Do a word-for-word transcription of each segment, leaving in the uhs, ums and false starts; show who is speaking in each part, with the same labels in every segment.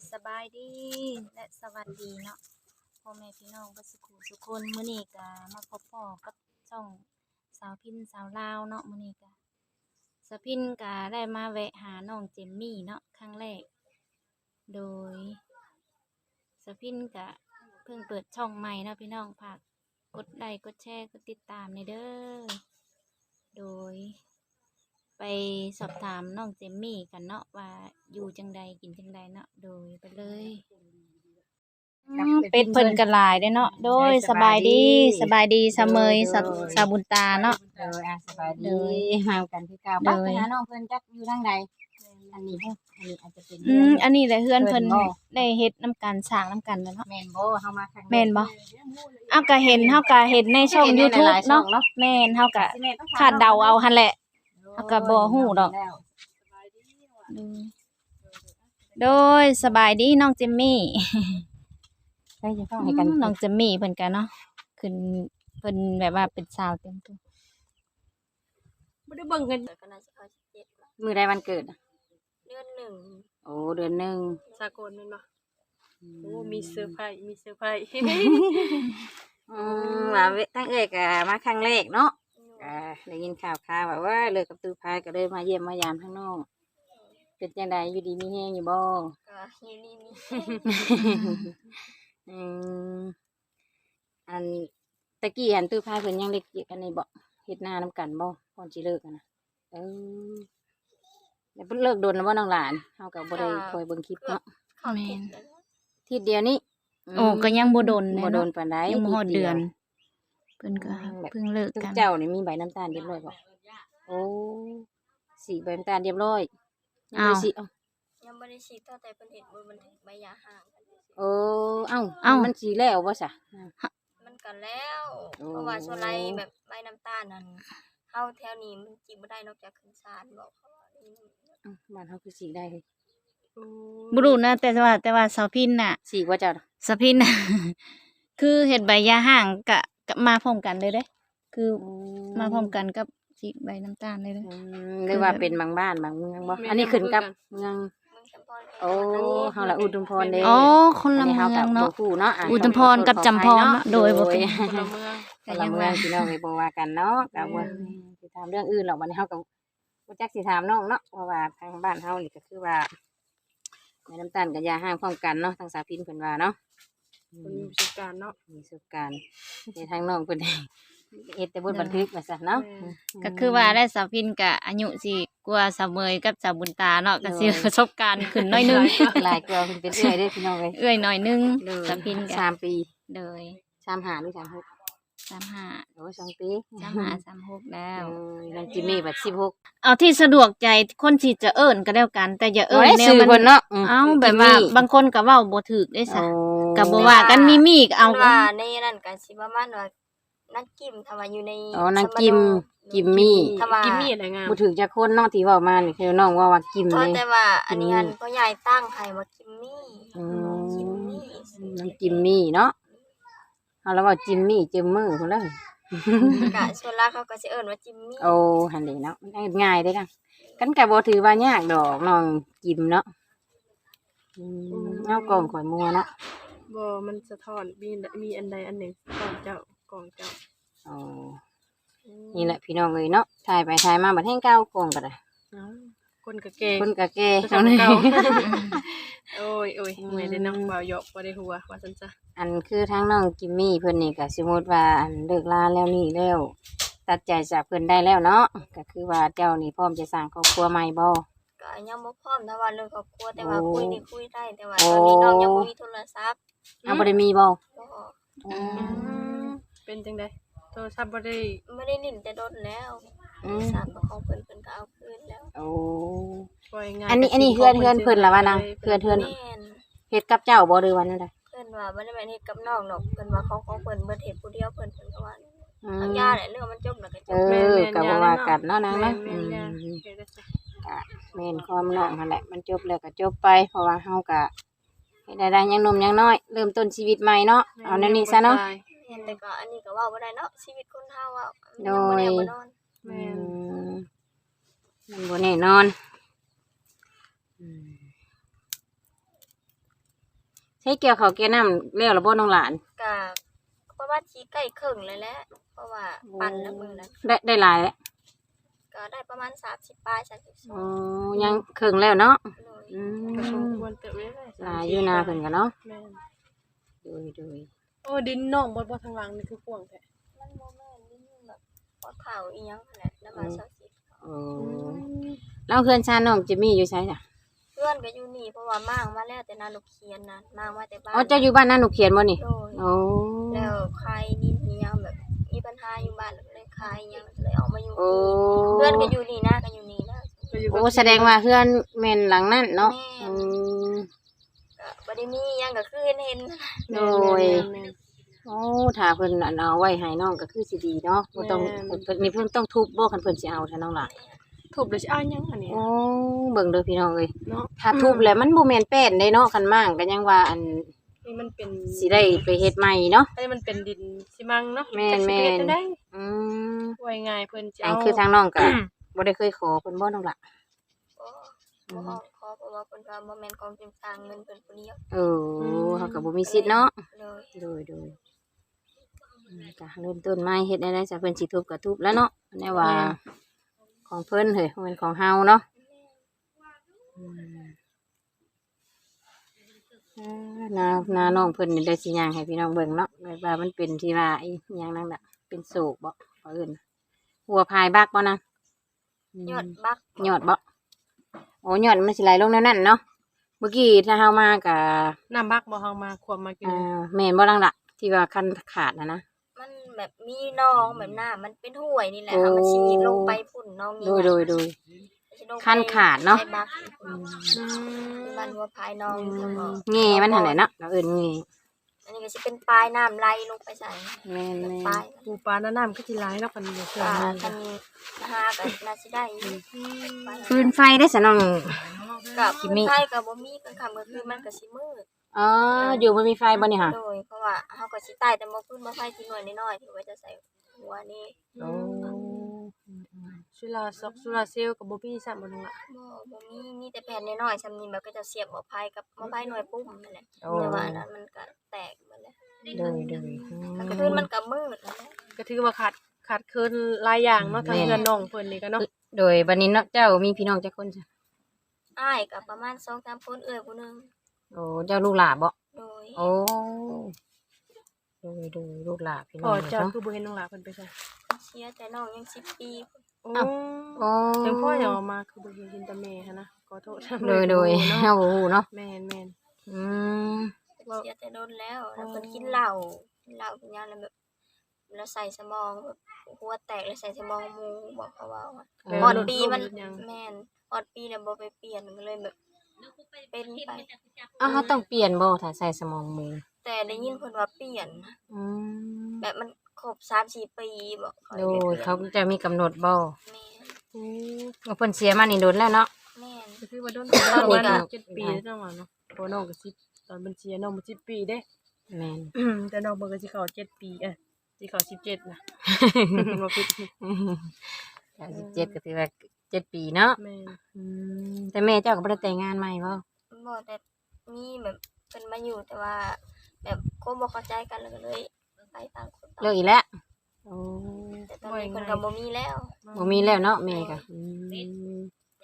Speaker 1: สบายดีและสวัสดีเนาะพ่อแม่พี่น้องเบ่สุขุทุกคนมื้อนี้ก็มาพบพ้อกับช่องสาวพินสาวลาวเนาะมื้อนี้ก็สาวพินก็ได้มาแวะหาน้องเจมมี่เนาะครั้งแรกโดยสาวพินก็เพิ่งเปิดช่องใหม่เนาะพี่น้องฝากกดไลค์กดแชร์กดติดตามในเด้อโดยไปสอบถามน้องเจมมี่กันเนาะว่าอยู่จังใดกินจังใดเนาะโดยไปเลยเป็ดเพิ่นกระลายได้เนาะโดยสบายดีสบายดีเสมยสะสาบุญตาเนาะ
Speaker 2: โดยอ่ะสบายดีมากันที่เก่าบ้านหาน้องเพิ่นจักอยู่ทางใดอันนี้เด้ออันนี้อาจจะเป็น
Speaker 1: อืมอันนี้แหละเฮือนเพิ่นได้เฮ็ดน้ำกันสร้างน้ำกันแล้วเนาะ
Speaker 2: แม่นบ่เฮามาครั้ง
Speaker 1: แม่นบ่อ้าวก็เห็นเฮาก็เห็นในช่อง YouTube เนาะแม่นเฮาก็คาดเดาเอาหั่นแหละเฮาก็บ่ฮู้ดอกโดยสบายดีน้องเจมมี่
Speaker 2: ใช่จะต้องให้กัน
Speaker 1: น้องเจมมี่เพิ่นก็เนาะขึ้นเพิ่นแบบว่าเป็นสาวเต็มตัวบ่ได้เบิ่งกันก็น่าสิเข้าสิบเจ็ดละ
Speaker 2: มื้อใดวันเกิดอะ
Speaker 1: เดือนหนึ่ง
Speaker 2: โอ้เดือนหนึ่ง
Speaker 3: สากลแม่นบ่โอ้มีเซอร์ไพรส์มีเซอร์ไพรส์
Speaker 2: อืมว่าเวตั้งเอ้ยก็มาครั้งแรกเนาะก็ได้ยินข่าวข่าวว่าว่าเลิกกับตูพายก็เลยมาเยี่ยมมายามข้างนอกเป็นจังไดอยู่ดีมีแฮงอยู่บ่
Speaker 1: ก็อยู่นี่มี
Speaker 2: อืมอันตะกี้หันตู้พายเพิ่นยังเล็กอยู่กันนี่บ่เฮ็ดหน้านำกันบ่ก่อนสิเลิกกันนะเออแล้วเพิ่นเลิกโดนแล้วบ่น้องหลานเฮาก็บ่ได้คอยเบิ่งคลิปเนาะ
Speaker 1: เข้าทิศแล้ว
Speaker 2: ทีเดียวนี้
Speaker 1: โอ้ก็ยังบ่โดน
Speaker 2: บ่โดนปานใด
Speaker 1: ยังบ่ฮอด
Speaker 2: ที
Speaker 1: เดือน
Speaker 2: ยว
Speaker 1: เพิ่นก็เพิ่งเลิก
Speaker 2: ทุก
Speaker 1: กัน
Speaker 2: เจ้านี่มีใบน้ำตาลเรียบร้อยบ่โอ้สีใบน้ำตาลเรียบร้อยยังบ่ได้สิเอ้า
Speaker 1: ยังบ่ได้ฉีดตั้งแต่เพิ่นเฮ็ดบ่มันใบยาห่างกัน
Speaker 2: โอ้เอ้า
Speaker 1: เอ้า
Speaker 2: มันสิแล้วบ่ซะ
Speaker 1: มันก็แล้ว
Speaker 2: โอ้
Speaker 1: เพราะว่าโซไลแบบใบน้ำตาลนั่นเฮาแถวนี้มันจิบบ่ได้นอกจากขึ้นศาลบอกเขาว่านี่
Speaker 2: เอ้าบ้านเฮาคือสีได้เลย
Speaker 1: บ่รู้นะแต่ว่าแต่ว่าสาวพินน่ะ
Speaker 2: สีบ่เจ้าน่ะ
Speaker 1: สาวพินน่ะ คือเฮ็ดใบยาห่างกะกะมาพร้อมกันเลยเด้ คือมาพร้อมกันกับฉีดใบน้ำตาลเลยเด้
Speaker 2: อืมหรือว่าเป็นบางบ้านบางเมืองบ่อันนี้ขึ้นกับเมือง
Speaker 1: เมืองจำพร
Speaker 2: โอ้เฮาละอุดมพรเด้
Speaker 1: อ๋อคนละ
Speaker 2: อันนี้
Speaker 1: เมื
Speaker 2: เฮา
Speaker 1: อง
Speaker 2: กับบ่
Speaker 1: เนาะ
Speaker 2: ฮู้เนาะะ
Speaker 1: อุดมพรกับจำพรเนาะโดยบ่เป็น
Speaker 3: คนละเมือง
Speaker 2: คนละเมืองพี่น้องไปบ่ว่ากันเนาะก็บ่สิถามเรื่องอื่นหรอกบัดนี้เฮาก็บ่จักสิถามน้องเนาะเพราะว่าทางบ้านเฮานี่ก็คือว่าแม่น้ำตาลกับยาห้างพร้อมกันเนาะทางสาพินเพิ่นว่าเนาะอื
Speaker 3: คน
Speaker 2: ม
Speaker 3: มีประสบการณ์เนาะ
Speaker 2: มีประสบการณ์ในทางน้องเพิ่นเฮ็ดแต่บทบันทึกว่าซั่นเนาะ
Speaker 1: ก็คือว่าได้สาวพินกะอายุสิกว่าสาวเมยกับสาวบุญตาเนาะก็สิประสบการณ์ขึ้นหน้อยหนึง
Speaker 2: หลายกว่าเพิ่นเป็นเอื้อยเด้อพี่น้องเอ้ย
Speaker 1: เอื้อยหน่อยหนึงสาวพินกะ
Speaker 2: สามปี
Speaker 1: โดย
Speaker 2: สามห้าหรือสามหก
Speaker 1: สามห้า
Speaker 2: โอ้ยสองปี
Speaker 1: สามห้าสามหกแล้
Speaker 2: เอ
Speaker 1: ว
Speaker 2: อน้องจิมมี่บัดสิบหก
Speaker 1: เอาที่สะดวกใจคนที่จะเอิ้นก็แล้วกัน แต่อย่าเอิ้
Speaker 2: โอ้
Speaker 1: น
Speaker 2: ย
Speaker 1: แนว
Speaker 2: ชื่อ
Speaker 1: มั
Speaker 2: เพิ่น
Speaker 1: น
Speaker 2: เนาะ
Speaker 1: เอ้าแบบว่าบางคนก็เว้าบ่ถูกได้ซะก็บ่ว่ากันมีมีก็เอา
Speaker 4: ว่าในนั้นก็สิประมาณว่านักกิมถ้าว่าอยู่ใน
Speaker 2: อ๋อนางกิมกิมมี่
Speaker 4: ถ้าว่า
Speaker 3: กิมมี่อะไรงาม
Speaker 2: บ่ถึงจะคนเนาะที่เว้ามานี่คือน้องว่าว่ากิม
Speaker 4: เพ
Speaker 2: เล
Speaker 4: ราะ
Speaker 2: ย
Speaker 4: แต่ว่าอันนี้อันพ่อใหญ่ตั้งให้ว่ากิมมี่
Speaker 2: อืม
Speaker 4: กิมมี่
Speaker 2: น้องจิมมี่เนาะเอาแล้วว่าจิมมี่จิมมือพุ่นเลย
Speaker 4: ก็ส่วนหลักเขาก็สิเอิ้นว่าจิมมี่
Speaker 2: โอ้หันเด้เนาะมันง่ายเด้อค่ะกันก็บ่ถือว่ายากดอกน้องจิมเนาะอืมเอากล่องข่อยมัวเนาะ
Speaker 3: บ่มันสะท้อนมีมีอันใดอันหนึ่งก่อนเจ้าก่อนเจ้า
Speaker 2: อ๋อนี่แหละพี่น้องเอ้ยเนาะถ่ายไปถ่ายมาบัดแห่งเก่ากล่องก็ได้
Speaker 3: เอ้าคนกะเกง
Speaker 2: คนก็แก่
Speaker 3: คน
Speaker 2: เนาะ
Speaker 3: เก่า โอ้ยโอ้ยเมื่อยได้น้องบ่าวหยอกบ่ได้หัวว่าซั่นจ้ะ
Speaker 2: อันคือทางน้องจิมมี่เพิ่นนี่ก็สมมุติว่าอันเลิกลาแล้วนี่แล้วตัดใจจากเพิ่นได้แล้วเนาะก็คือว่าเจ้านี่พร้อมจะสร้างครอบครัวใหม่บ่
Speaker 4: ก็ยังบ่พร้อมถ้าว่าเรื่องครอบครัวแต่ว่า
Speaker 2: โอ้
Speaker 4: คุยนี่คุยได้แต่ว่า
Speaker 2: โอ้
Speaker 4: ตอนนี้น้องยังบ่มีโทรศัพท์
Speaker 2: เอาบ่ได้มีบ่
Speaker 4: บ่
Speaker 2: อืม
Speaker 3: เป็นจังได๋โทรศัพท์บ่ได้
Speaker 4: ไม่ได้ลิ้นแต่โดนแล้ว
Speaker 2: อืม
Speaker 4: สารของเพิ่นเพิ่นก็เอาคืนแล้ว
Speaker 2: โอ้
Speaker 3: ปล่อยง่าย
Speaker 2: อันนี้อันนี้เฮือนเฮือนเพิ่นล่ะว่านะเฮือนเฮือน
Speaker 4: แม่น
Speaker 2: เฮ็ดกับเจ้าบ่หรือว่านั่นใด
Speaker 4: เพิ่นว่าบ่ได้แม่นเฮ็ดกับน้องดอกเพิ่นว่าของของเพิ่นเบิดเฮ็ดผู้เดียวเพิ่นเพิ่นก็ว่า
Speaker 2: อื
Speaker 4: ทาง
Speaker 2: ม
Speaker 4: ยาแหละเรื่องมันจบแล้วก็จ
Speaker 2: เอบ อก็บ่ว่ากันเนาะนาง
Speaker 3: แม่
Speaker 2: เนาะ
Speaker 3: น
Speaker 2: อื
Speaker 3: แม่น
Speaker 2: ม
Speaker 3: ๆเฮ็ดได้จ้ะ
Speaker 2: ก็แม่นความน้องนั่นแหละมันจบแล้วก็จบไปเพราะว่าเฮาก็เฮ็ดได้ยังหนุ่มยังน้อยเริ่มต้นชีวิตใหม่เนาะเอาแนวนี้ซะเนาะ
Speaker 4: เห็นแต่ก็อันนี้ก็เว่าบ่ได้เนาะชีวิตคนเฮาอ่ะ
Speaker 2: โดย
Speaker 4: มันงบ่แน่บ่นอน
Speaker 3: แม่น
Speaker 2: อืมมันบ่แน่นอนอืมใช้เกี่ยวข้าวแก่น้ำแล้วล่ะบ่น้องหลาน
Speaker 4: ก็ประมาณสิใกล้ครึ่งเลยแหละเพราะว่าปั่นแล้วมื้อนั้น
Speaker 2: ได้ได้หลายแล้ว
Speaker 4: ก็ได้ประมาณสามสิบปลายสามสิบสอ
Speaker 2: อ๋อง ยังครึ่งแล้วเนาะ
Speaker 4: เลย
Speaker 2: อื
Speaker 3: ก็สม
Speaker 2: ม
Speaker 3: ควรเติบไว้เลย
Speaker 2: หลายอยู่นาเพิ่นก็เนาะ
Speaker 3: แม่น
Speaker 2: โดยโดย
Speaker 3: โอ้ดินน้องบ่บ่ทางหลังนี่คือกว้างแท้
Speaker 4: มันบ่แม่นนี่แบบพอเข่าอีหยังนั่นแหละแล้วมาสักสิบ
Speaker 2: โอ้แล้วเพื่อนชาน้องจิมมี่อยู่ไสจ้ะ
Speaker 4: เพื่อนก็อยู่นี่เพราะว่ามางมาแล้วแต่นาลูกเคียนนะมางมาแต่บ้าน
Speaker 2: อ๋อเจ้าอยู่บ้านนาหนูเขียนบ่นี่
Speaker 4: โดย
Speaker 2: โอ้
Speaker 4: แล้วใครนี่มีหยังแบบมีปัญหาอยู่บ้านเลยใครยังเลยเอามาอยู่
Speaker 2: โอ้
Speaker 4: เพื่อนก็อยู่นี่นะก็อยู่นี่นะ
Speaker 3: ก็อยู่กับ
Speaker 2: โอ้แสดงว่าเพื่อนแม่นหลังนั่นเนาะ
Speaker 4: แม่
Speaker 2: อืม
Speaker 4: ก็บ่ได้มีหยังก็คือเห็นเห็น
Speaker 2: โดย
Speaker 3: แม่น
Speaker 2: โอ้ถ้าเพิ่นอันเอาไว้ให้น้องก็คือสิดีเนาะบ่ต้อง
Speaker 3: แม่น
Speaker 2: เพิ่นนี่เพิ่นต้องทุบบ่คันเพิ่นสิเอาถ้าน้องล่ะ
Speaker 3: ๆทุบแล้วสิเอาหยังอันนี้
Speaker 2: โอ้เบิ่งเด้อพี่น้องเอ้ย
Speaker 3: เนาะ
Speaker 2: ถ้าทุบแล้วมันบ่แม่นแป้นเด้เนาะคันมั่งก็ยังว่าอัน
Speaker 3: นี่มันเป็น
Speaker 2: สิได้ไปเฮ็ดใหม่เนาะ
Speaker 3: อันนี้มันเป็นดินซิมังเนาะ
Speaker 2: แม่น
Speaker 3: จักสิไปเฮ็ด
Speaker 2: แม่น
Speaker 3: ได้
Speaker 2: อืม
Speaker 3: ไว้ง่ายเพิ่นจะ
Speaker 2: อัน
Speaker 3: เอา
Speaker 2: คือทางน้องก็ บ่ได้เคยขอเพิ่นบ่น้องล่ะ
Speaker 4: ก็บ่ขอเพราะว่าเพิ่นว่าบ่แม่นของเป็นทางเงินเพิ่นผู้เดียว
Speaker 2: เออเฮาก็บ่มีสิทธิ์เนาะ
Speaker 4: เลย
Speaker 2: โดยโดยอืมก็เริ่มต้นใหม่เฮ็ดได้ได้จ้ะเพิ่นสิทุบก็ทุบแล้วเนาะแน่ว่าของเพิ่นเฮ้ยบ่แม่นของเฮาเนาะอืมเอ่อนานาน้องเพิ่นนี่ได้สิย่างให้พี่น้องเบิ่งเนาะแบบว่ามันเป็นที่ว่าอีหยังนั่นน่ะเป็นโศกบ่เขาเอิ้นหัวพายบักบ่นะอืม
Speaker 4: ยอดบัก
Speaker 2: ยอดบ่โอ้ยอดมันสิไหลลงแนวนั้นเนาะเมื่อกี้ถ้าเฮามาก็
Speaker 3: น้ำบักบ่เฮามาควมมากิน
Speaker 2: อ่าแม่นบ่ลังล่ะที่ว่าคันขาดน่ะนะ
Speaker 4: มันแบบมีน้องแบบน้ามันเป็นห้วยนี่แหละ
Speaker 2: โอ้
Speaker 4: ค่ะมันสิลงไปพุ่นน้องนี่
Speaker 2: โดยโดยโดย
Speaker 4: สิลงไป
Speaker 2: ขั้นขาดเนาะ
Speaker 4: ไปบัก
Speaker 3: อืม
Speaker 4: ที่บ้านหัวพายน้องแล้วก็
Speaker 2: เง่มันหันไหนเนาะเราเอื่นเง่
Speaker 4: อันนี้ก็สิเป็นปลายน้ำไหลลงไปใส่
Speaker 2: แม่น
Speaker 4: แบบ
Speaker 2: แม่
Speaker 4: ปลาน ย
Speaker 3: ปูปลาหน้าน้ำก็สิหลายเนาะกันอยู่เชื่อ
Speaker 4: อ่า
Speaker 3: มัน
Speaker 4: คันหาก็น่าสิได้อยู่
Speaker 2: ฟืนไฟได้สะน้อง
Speaker 4: กับ
Speaker 2: กิมมี่
Speaker 4: ไทยก็บ่มีกลางค่ำกลางคืนมันก็สิมืด
Speaker 2: อ๋ออยู่บ่มีไฟบ่นี่ค่ะ
Speaker 4: โดยเพราะว่าเฮาก็สิตายแต่บ่พื้นบ่ไฟที่หน่วยน้อยๆที่ไว้จะใส่หัวนี่
Speaker 2: โอ้
Speaker 3: สุราซอกสุราเซลลกับบ่มีซ้ํบ่นึงล่ะ
Speaker 4: บ่บ่มีมีแต่แผ่นน้อยๆซำนี้แบบก็จะเสียบหม้อไฟกับหม้อไฟหน่วยปุ่มนั่นแหละ
Speaker 2: โอ้
Speaker 4: แต่ว่าอันนั้นมันก็แตกหมดแล้ว
Speaker 2: โดยโดย
Speaker 4: กลางคืนมันก็มืดนั่นแหละ
Speaker 3: ก็ถือว่าขาดขาดเคินหลายอย่างเนาะทาง
Speaker 2: แม่น
Speaker 3: เพื่อนน้องเพิ่นนี่ก็เนาะ
Speaker 2: โดยบัดนี้เนาะเจ้ามีพี่น้องจักคนจ้ะ
Speaker 4: อ้ายก็ประมาณสองสามคนเอ้ยผู้หนึง
Speaker 2: โอ้เจ้าลูกหลาบ่
Speaker 4: โดย
Speaker 2: โอ้โดยโดยลูกหลาพี่น้
Speaker 3: พ่
Speaker 2: อ
Speaker 3: อง เจ้า
Speaker 2: เนาะ
Speaker 3: คือบ่เห็นน้องหลาเพิ่นไปใส่
Speaker 4: เชียร์แต่น้องยังสิบปี
Speaker 3: โอ้
Speaker 2: โอ้
Speaker 3: จังพ่อยังออกมาคือบ่เห็นเห็นแต่แม่หันนะขอโทษ
Speaker 2: โดยโดย
Speaker 3: เนาะ
Speaker 2: เฮาบ่ฮู้เนาะ
Speaker 3: แม่นแม่น
Speaker 2: อืม
Speaker 4: เชียร์แต่โดนแล้วแล้วเพิ่นกินเหล้ากินเหล้ากินยาแล้วแบบแล้วใส่สมองแบบหัวแตกแล้วใส่สมองหมูบอกเขาว่า
Speaker 2: เออ
Speaker 4: ฮอดปีมัน
Speaker 3: ยัง
Speaker 4: แม่นฮอดปีแล้วบ่ไปเปลี่ยนก็เลยแบบเป็นไป
Speaker 2: อ้าวเฮาต้องเปลี่ยนบ่ถ้าใส่สมองมือ
Speaker 4: แต่ได้ยินเพิ่นว่าเปลี่ยนนะ
Speaker 2: อืม
Speaker 4: แบบมันครบสามสี่ปีบอกเขา
Speaker 2: โดยเขาจะมีกำหนดบ่
Speaker 4: แม่น
Speaker 3: อืม
Speaker 2: ว่าเพิ่นเสียมานี่โดนแล้วเนาะ
Speaker 4: แม่น
Speaker 3: ก็คือว่าโดน
Speaker 2: ตอนนี้
Speaker 3: ประมาณ
Speaker 2: ก็
Speaker 3: เจ็ดปีแล้วจังหวะเนาะเพราะน้องก็สิบตอนบัญชีน้องบ่สิบปีเด้
Speaker 2: แม่น
Speaker 3: อืมแต่น้องเบิ่งก็สิเข้าเจ็ดปีเอ้ยสิเข้าสิบเจ็ดนะ บ่ผิด
Speaker 2: เก้าสิบเจ็ดก็ถือว่าเจ็ดปีเนาะ
Speaker 3: แม่น
Speaker 2: อืมแต่แม่เจ้าก็บ่ได้แต่งงานใหม่บ่
Speaker 4: บ่แต่มีแบบเพิ่นมาอยู่แต่ว่า แบบคงบ่เข้าใจกันแล้วก็เลยไปต่างคนต่าง
Speaker 2: เลิกอีกแล้วโอ้
Speaker 4: แต่ตอนนี้เพิ่นก็บ่มีแล้ว
Speaker 2: บ่มีแล้วเนาะแม่ก็อืม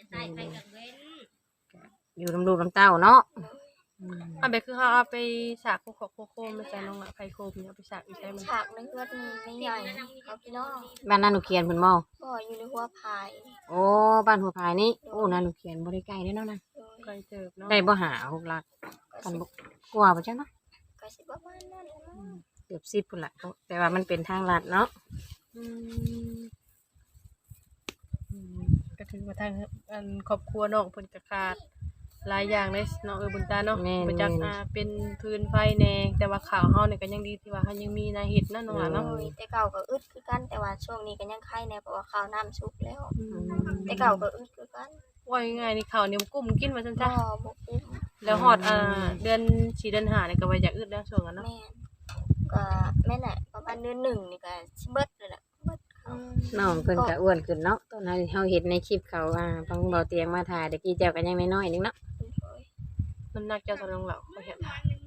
Speaker 2: อยู่ลำลูกลำเต้าเนาะอืม
Speaker 3: อันเบคือเฮาเอาไปสากโคกโคโคมไปใส่น้องละไข่โคมเนี่ยเอาไปสากอีกใส่มัน
Speaker 4: ฉากในเพื่อนไม่ใหญ่เขาพี่น้อง
Speaker 2: บ้านนาหนูเขียนเพิ่นบ่
Speaker 4: บ่อยู่ในหัวพาย
Speaker 2: โอ้บ้านหัวพายนี่โอ้นาหนูเขียนบ่ได้ใกล้เด้อเนาะนะ
Speaker 4: โดย
Speaker 3: ไก่เติบเนาะ
Speaker 2: ได้บ่หาหกหลัก
Speaker 4: ก็
Speaker 2: กัน
Speaker 4: สิ
Speaker 2: บ่กลัวบ่จังเนาะ
Speaker 4: ก็สิประมาณนั้นแหละมั้ง
Speaker 2: เกือบสิบพุ่นละแต่ว่ามันเป็นทางลัดเนาะ
Speaker 3: อืมอืมก็ถือว่าทางอันครอบครัวน้องเพิ่นก็ขาดหลายอย่างเลยเนาะเออบุญตาเนาะบ่จักอ่าเป็นพื้นไฟแหน่แต่ว่าข่าวเฮานี่ก็ยังดีที่ว่าเฮายังมีนาเฮ็ดเนาะน้องหลานเนาะ
Speaker 4: โดยแต่เก่าก็อึดคือกันแต่ว่าช่วงนี้ก็ยังไข้แน่เพราะว่าข้าวน้ำสุกแล้ว
Speaker 3: อืม
Speaker 4: แต่เก่าก็อึดคือกัน
Speaker 3: ว่าง่ายๆนี่ข้าวเหนียวกุ้มกินว่าซั่น
Speaker 4: บ่
Speaker 3: จ้ะ
Speaker 4: บ่กุ้ม
Speaker 3: แล้วฮอดอ่าเดือนสี่เดือนห้านี่ก็ว่าอยากอึดแล้วช่วงนั้นเนาะ
Speaker 4: แม่นก็แม่นแหละประมาณเดือนหนึ่งนี่ก็สิเบิดเลยแหละเบิดข้าว
Speaker 2: น้องเพิ่นก็อ้วนขึ้นเนาะตอนนั้นเฮาเห็นในคลิปเขาอ่าฟังเบาเตียงมาถ่ายตะกี้เจ้าก็ยังน้อยๆนึงเนาะ
Speaker 3: น้ำหนักเจ้าสนองเหล่าเขาเห็น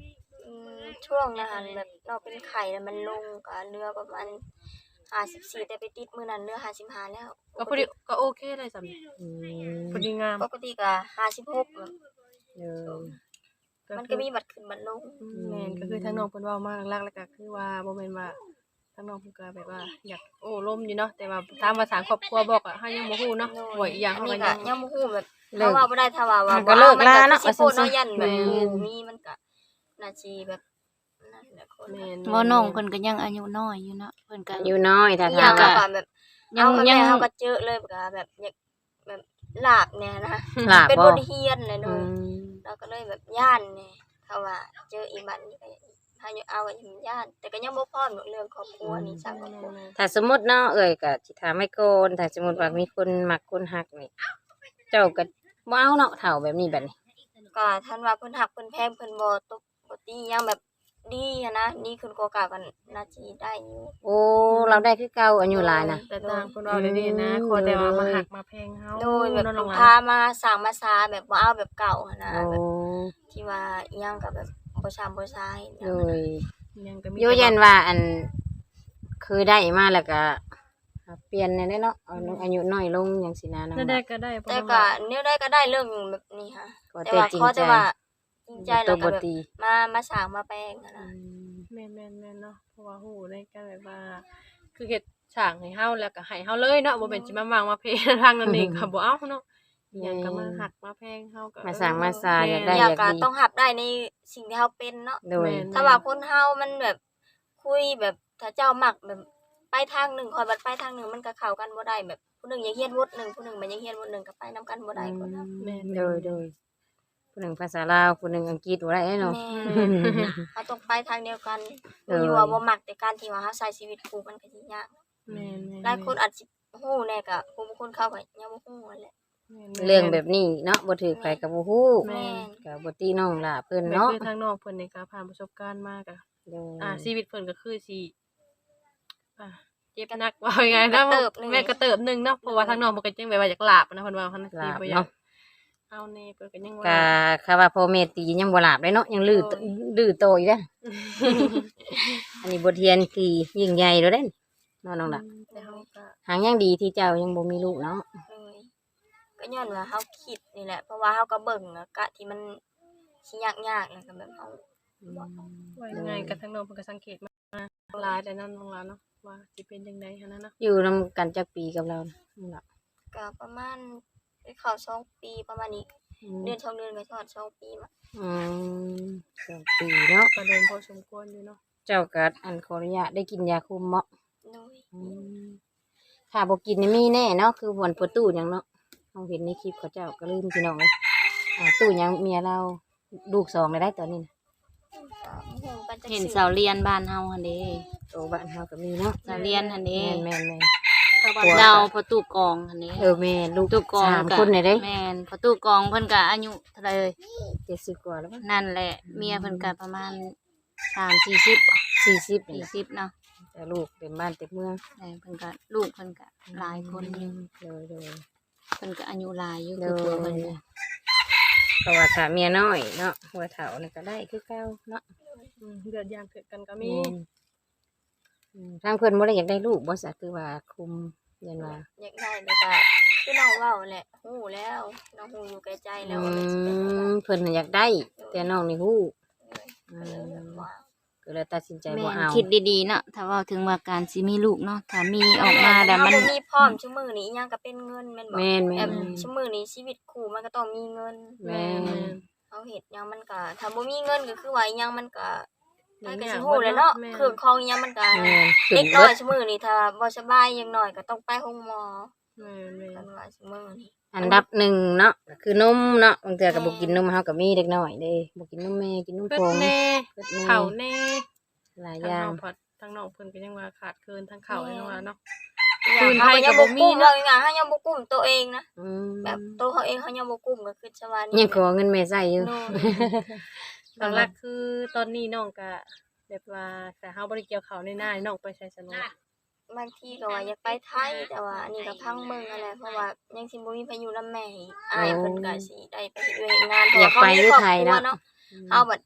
Speaker 4: อืมช่วงนั้นหั่นแบบเราเป็นไข้แล้วมันลงก็เรือประมาณห้าสิบสี่แต่ไปติดมื้อนั้นเรือห้าสิบห้าแล้วป
Speaker 3: ก็
Speaker 4: ก
Speaker 3: พอดี
Speaker 4: ติ
Speaker 3: ก็โอเคเลยสำนี้
Speaker 2: อืม
Speaker 3: พอดีงาม
Speaker 4: ปกติก็ห้าสิบหกอะ
Speaker 2: เออ
Speaker 4: มันก็มีบัดขึ้นบัดลง
Speaker 3: อืมแม่นก็คือทางน้องเพิ่นเว้ามาหลักๆแล้วก็คือว่าบ่แม่นว่าทางน้องเพิ่นก็แบบว่า อยากโอ้ล้มอยู่เนาะแต่ว่าถามว่าสร้างครอบครัวบ่ก็เฮายังบ่ฮู้เนาะ
Speaker 4: โด
Speaker 3: บ่อีกอย่าง
Speaker 4: อัน
Speaker 3: เฮา
Speaker 4: นี้
Speaker 3: ก็
Speaker 4: ก็
Speaker 3: ยัง
Speaker 4: ยังบ่ฮู้แบบ
Speaker 2: เลิ
Speaker 4: ถ้าก ว่าบ่ได้ถ้าว่าว่า
Speaker 2: ก็เลิกลาเนาะ
Speaker 4: มัก็สิโพด
Speaker 2: ว่าซั่นๆ
Speaker 4: เนาะยันแบบ
Speaker 3: แม่น
Speaker 4: หมู่มีมันก็น่าสิแบบนั่นแหละคน
Speaker 3: แม่น
Speaker 1: บ่น้องเพิ่นก็ยังอายุน้อยอยู่เนาะเพิ่นก็
Speaker 2: อายุน้อยถ้า
Speaker 4: อีกอ
Speaker 2: ถา
Speaker 4: ย่าม ง
Speaker 2: ว่า
Speaker 4: ก็แบบ
Speaker 2: ยั
Speaker 4: เอา
Speaker 2: ง
Speaker 4: กับ
Speaker 2: ยั
Speaker 4: แม่
Speaker 2: ง
Speaker 4: เฮาก็เจอเลยก็แบบอยากแบบลาบแน่นะ
Speaker 2: หลาบ
Speaker 4: เป็น
Speaker 2: บ่
Speaker 4: บทเรียนเลยโด
Speaker 2: อื
Speaker 4: ย
Speaker 2: ม
Speaker 4: เราก็เลยแบบย่านแน่ถ้าว่าเจออีบัดนี้ก็ถ้าอยู่เอาก็ยังย่าน แต่ก็ยังบ่พร้อมหรอกเรื่องครอบครัวนี่สร้างครอบครัว
Speaker 2: ถ้าสมมุติเนาะเอ้ยก็สิถามไว้ก่อนถ้าสมมุติว่ามีคนมักคนฮักนี่เจ้าก็บ่เอาเนาะเฒ่าแบบนี้บัดนี้
Speaker 4: ก็ท่านว่าเพิ่นฮักเพิ่นแพงเพิ่นบ่ตบบ่ตีหยังแบบดีหั้นนะดีขึ้นกว่าเก่ากันน่าสิได้อยู่
Speaker 2: โอ้เราได้คือเก่าอายุหลายนะ
Speaker 3: แต่ต่างคนเราได้ดีนะขอแต่ว่ามาหักมาแพงเฮา
Speaker 4: โดยแบบ
Speaker 3: เนาะน้องหลา
Speaker 4: พาน มาสร้างมาซาแบบบ่เอาแบบเก่าหั้นนะ
Speaker 2: โอ้
Speaker 4: แบบที่ว่าอิหยังก็แบบบ่ซ้ำบ่ซ้ายอิห
Speaker 2: โด
Speaker 4: ยัง
Speaker 2: ย
Speaker 3: ยังก็มี
Speaker 2: โยยันว่าอันเคยได้มาแล้วก็เปลี่ยนแน่ๆเนาะเอาอายุน้อยลงจังซี่นะน้อง
Speaker 3: ได้
Speaker 2: ห
Speaker 3: ได้
Speaker 2: ลาน
Speaker 3: ก็ได้เพราะ
Speaker 4: แต่
Speaker 3: ว่า
Speaker 4: ก็แนวใดก็ได้เรื่องแบบนี้ค่ะ
Speaker 2: ก็
Speaker 4: แต่
Speaker 2: แต่
Speaker 4: ว่า
Speaker 2: จริง
Speaker 4: ขอ
Speaker 2: ใจ
Speaker 4: แต่ว่าจริงใจ
Speaker 2: ตั
Speaker 4: แล้ว วก็
Speaker 2: บ่
Speaker 4: แบบ
Speaker 2: ตี
Speaker 4: มามาสร้างมาแปลงหั้น
Speaker 2: อื
Speaker 4: นะ
Speaker 2: ม
Speaker 3: แม่นแม่นแม่นเนาะเพราะว่าฮู้ในการแบบว่า คือเฮ็ดฉากให้เฮาแล้วก็ให้เฮาเลยเนาะบ่แม่นสิมาวางมาเพทางนั้นเองก็บ่เอาเนาะอิหยังก็มาหักมาแพงเฮาก็
Speaker 2: มาสร้างมาซาอยากได้
Speaker 4: อ
Speaker 2: อย
Speaker 4: าก
Speaker 2: ยาก
Speaker 4: ก็
Speaker 2: ดี
Speaker 4: ต้องรับได้ในสิ่งที่เฮาเป็นเนาะ
Speaker 2: โดย
Speaker 4: ถ้าว่าคนเฮามันแบบคุยแบบถ้าเจ้ามักแบบไปทางหนึงคอยบัดไปทางหนึงมันก็เข้ากันบ่ได้แบบผู้หนึงอยากเรียนบทหนึงผู้หนึงมันอยากเรียนบทหนึงก็ไปนํกันบ่ได้คนเฮา
Speaker 3: แม่น
Speaker 2: โดยโดยผู้หนึ่งภาษาลาวผู้หนึ่งอังกฤษบ่ได้เนาะ
Speaker 4: แม่เฮาต้องไปทางเดียวกัน
Speaker 2: เออ
Speaker 4: อยู่ว่าบ่มักแต่การที่ว่าเฮาใช้ชีวิตคู่มันก็สิยาก
Speaker 3: แม่นๆ
Speaker 4: หลายคนอาจสิฮู้แน่ก็ผู้บางคนเขาก็ยังบ่ฮู้นั่นแหละ
Speaker 2: เรื่องแบบนี้เนาะบ่ถือไผก็บ่ฮู้
Speaker 4: แม่น
Speaker 2: ก็บ่ตีน้องล่ะเพิ่น
Speaker 3: แม่น
Speaker 2: เนาะ
Speaker 3: คือทางน้องเพิ่นนี่ก็ผ่านประสบการณ์มากอะ
Speaker 2: โดย
Speaker 3: อ่าชีวิตเพิ่นก็คือสิอ่าเจ็บหนักว่ายังไงนะ
Speaker 4: กระเติบหนึ่ง
Speaker 3: แม่กระเติบหนึงเนาะเพราะว่าทางน้องเพิ่นก็จังแบบว่าอยากลาบนะเพิ่นว่าเพิ่น
Speaker 2: ลาบ
Speaker 3: บ่อยาก
Speaker 2: เนาะ
Speaker 3: เอาแน่เพิ่นก็ยัง
Speaker 2: ก็
Speaker 3: ว่า
Speaker 2: คำว่าพ่อแม่ตียังบ่หลาบเลยเนาะยังลื้อตลื้อโตอีกเด้อ อันนี้บทเรียนที่ยิ่งใหญ่แล้วเด้เนาะน้องล่ะ
Speaker 3: แต่เฮาก็
Speaker 2: หางยังดีที่เจ้ายังบ่มีลูกเนาะ
Speaker 4: เลยก็ย้อนว่าเฮาคิดนี่แหละ เพราะว่าเฮาก็เบิ่งอะกะที่มันสิยากๆแล้วก็แบบเฮา
Speaker 3: ว่ายังไงก็ทางน้องเพิ่นก็สังเกตมาหลายแต่นั้นน้องหลานเนาะว่าสิเป็นจังได๋หันนั้นเนาะ
Speaker 2: อยู่นํกันจักปีกับเราน้องล่ะ
Speaker 4: ก็ประมาณไปเข้าสองปีประมาณนี้
Speaker 2: อืม
Speaker 4: เดือนสองเดือนก็ทอดสองปีมา
Speaker 2: อืมสองปีเนาะ
Speaker 3: ก็เดินพอสมควรอยู่เนาะ
Speaker 2: เจ้าก็อันขออนุญาตได้กินยาคุมเหมาะ
Speaker 4: โดย
Speaker 2: อืมถ้าบ่กินนี่มีแน่เนาะคือหวนประตูหยังเนาะเฮาเห็นในคลิปเขาเจ้าก็ลืมพี่น้องเลยอ่าตู้หยังเมียเราลูกสองเลยได้ตอนนี้นะ
Speaker 4: ก็บ่ฮู้กันจัก
Speaker 1: เห็น
Speaker 4: สิ
Speaker 1: เสาเรียนบ้านเฮาหั่นเด้
Speaker 2: โตบ้านเฮาก็มีเนาะ
Speaker 1: เสาเรียนหั่นเด้
Speaker 2: แม่นแม่นแม่น
Speaker 3: ชาวบ้าน
Speaker 2: หัว
Speaker 1: ดาวประตูกองหั่นเด้
Speaker 2: เออแม่นลูก
Speaker 1: ประตูกอง
Speaker 2: สาม
Speaker 1: ก็
Speaker 2: คนเลยเด้
Speaker 1: แม่นประตูกองเพิ่นก็อายุเท่าไหร่เอ่ย
Speaker 2: เจ็ดสิบกว่าแล้วมั้ง
Speaker 1: นั่นแหละ เมียเพิ่นก็ประมาณสามสี่สิบบ่
Speaker 2: สี่สิบนี่
Speaker 1: สี่
Speaker 2: แหละ
Speaker 1: สิบเนาะ
Speaker 2: แต่ลูกเต็มบ้านเต็มเมือง
Speaker 1: แต่เพิ่นก็ลูกเพิ่นก็หลายคนอยู่
Speaker 2: เลยเลย
Speaker 1: เพิ่นก็อายุหลายอยู่
Speaker 2: เล
Speaker 1: คือผัวเพิ่น
Speaker 2: ย
Speaker 1: น่ะ
Speaker 2: เพราะว่าถ้าเมียน้อยเนาะหัวเฒ่านี่ก็ได้คือเก่าเนาะ
Speaker 3: อืมเดือดยามเกิดกันก็มี
Speaker 2: แม่นอืมทางเพิ่นบ่ได้อยากได้ลูกบ่ซะคือว่าคุมเรียนว่า
Speaker 4: อยากได้แล้วก็คือน้องเว้าแหละฮู้แล้วน้องฮู้อยู่แก่ใจแล้วว่ามันสิเป็นจังได๋
Speaker 2: อืมเพิ่นน่ะอยากได้ แต่น้องนี่ฮู้
Speaker 4: ก็เลยแบบว่า
Speaker 2: ก็เลยตัดสินใจ
Speaker 1: แม่
Speaker 2: บ่
Speaker 1: น
Speaker 2: เอา
Speaker 1: คิดดีๆเนาะถ้าเว้าถึงว่าการสิมีลูกเนาะถ้ามีออกมาแล้ว
Speaker 4: เฮา
Speaker 1: มัน
Speaker 4: บ่มีพร้อมซุมื้อนี้อิหยังก็เป็นเงินแม่นบ่
Speaker 2: แม่น
Speaker 4: แบ
Speaker 2: แม่
Speaker 4: บ
Speaker 2: น
Speaker 4: ซุมื้อนี้ชีวิตคู่มันก็ต้องมีเงิน
Speaker 2: แม่น
Speaker 4: เฮาเฮ็ดหยังมันก็ถ้าบ่มีเงินก็คือว่าอิหยังมันก็
Speaker 3: หลา
Speaker 4: มัน
Speaker 3: ย
Speaker 4: ก็
Speaker 3: อย่า
Speaker 4: สิ
Speaker 3: ง
Speaker 4: ฮู้แหล้วเนาะ
Speaker 3: แม่น
Speaker 4: เครื่องของอิหยังมันก็
Speaker 2: แม่นขึ้
Speaker 4: เด็
Speaker 2: น
Speaker 4: กน้
Speaker 2: เบิ
Speaker 4: อย
Speaker 2: ด
Speaker 4: ซุมื้อนี้ถ้าบ่สบายอย่างน้อยก็ต้องไปโรงหมอ
Speaker 3: แม่นแม่
Speaker 4: กัน นว่าซุมื้อนี้
Speaker 2: อันดับหนึ่งเนาะก็คือนมเนาะบางเทื่อก็บ่กินนมเฮาก็มีเด็กน้อยเด้บ่กินนมแม่กินนม
Speaker 3: เพิ่
Speaker 2: ผ
Speaker 3: น
Speaker 2: ง
Speaker 3: แน่
Speaker 2: เพิ่นแน่
Speaker 3: เข่าแน่
Speaker 2: หลาย
Speaker 3: ทาง
Speaker 2: อย่า
Speaker 3: น้
Speaker 2: ง
Speaker 3: องพอดทางน้องเพิ่นก็ยังว่าขาดเคินทางเข่าไอ้น้องว่าเนาะ
Speaker 4: อย่าง
Speaker 3: ปืนไท
Speaker 4: เฮาย ก็
Speaker 3: ก็
Speaker 4: ยัง
Speaker 3: บ่
Speaker 4: บ่
Speaker 3: มี
Speaker 4: กุ้ม
Speaker 3: เนาะ
Speaker 4: เนาะเฮายังบ่กุ้มตัวเองนะ
Speaker 2: อืม
Speaker 4: แบบตัวเขาเองเขายังบ่กุ้มก็คือชาวานี่
Speaker 2: ยังขอเงินแม่ใช้อยู่
Speaker 4: โน่
Speaker 3: หลักๆคือตอนนี้น้องก็แบบว่าแต่เฮาบ่ได้เกี่ยวข้าวในหน้าน้องไปใช้สนุก
Speaker 4: บางทีก็ว่าอยากไปไทยแต่ว่าอันนี้ก็พังเมืองอะไรเพราะว่ายังสิบ่มีพายุนำแม่อีกอ้ายเพิ่นก็สิได้ไปเฮ็ดเวยเฮ็ดงานเพราะ
Speaker 2: อยา
Speaker 4: ว่าก เขา
Speaker 2: ไป
Speaker 4: มี
Speaker 2: อยู่
Speaker 4: ครอบ
Speaker 2: ไทย
Speaker 4: ครัว
Speaker 2: เนาะ
Speaker 4: เนาะเฮาบัดไป